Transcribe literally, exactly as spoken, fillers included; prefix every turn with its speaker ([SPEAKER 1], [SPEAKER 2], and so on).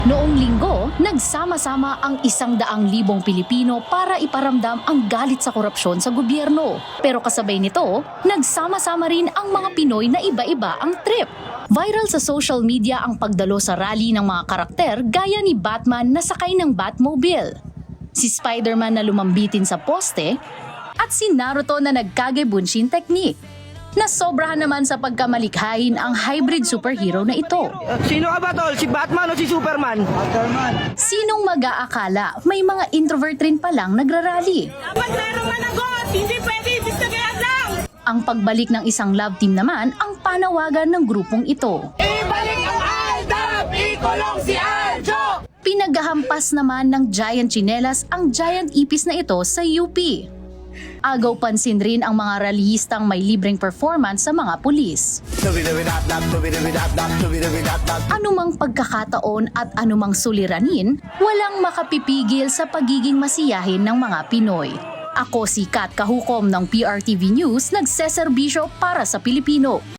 [SPEAKER 1] Noong linggo, nagsama-sama ang isang daang libong Pilipino para iparamdam ang galit sa korupsyon sa gobyerno. Pero kasabay nito, nagsama-sama rin ang mga Pinoy na iba-iba ang trip. Viral sa social media ang pagdalo sa rally ng mga karakter gaya ni Batman na sakay ng Batmobile, si Spider-Man na lumambitin sa poste, at si Naruto na nagkage-bunshin technique. Nasobrahan naman sa pagkamalikhain ang hybrid superhero na ito.
[SPEAKER 2] Sino ka ba, tol? Si Batman o si Superman? Batman.
[SPEAKER 1] Sinong mag-aakala may mga introvert rin palang nagrarally?
[SPEAKER 3] Dapat merong managot! Hindi pwede ibigay lang!
[SPEAKER 1] Ang pagbalik ng isang love team naman ang panawagan ng grupong ito.
[SPEAKER 3] Ibalik ang Aldab! Ikulong si Aljo!
[SPEAKER 1] Pinaghahampas naman ng Giant Chinelas ang giant ipis na ito sa U P. Agaw pansin rin ang mga rallyistang may libreng performance sa mga pulis. Anumang pagkakataon at anumang suliranin, walang makapipigil sa pagiging masiyahin ng mga Pinoy. Ako si Kat Kahukom ng P R T V News, nagseserbisyo para sa Pilipino.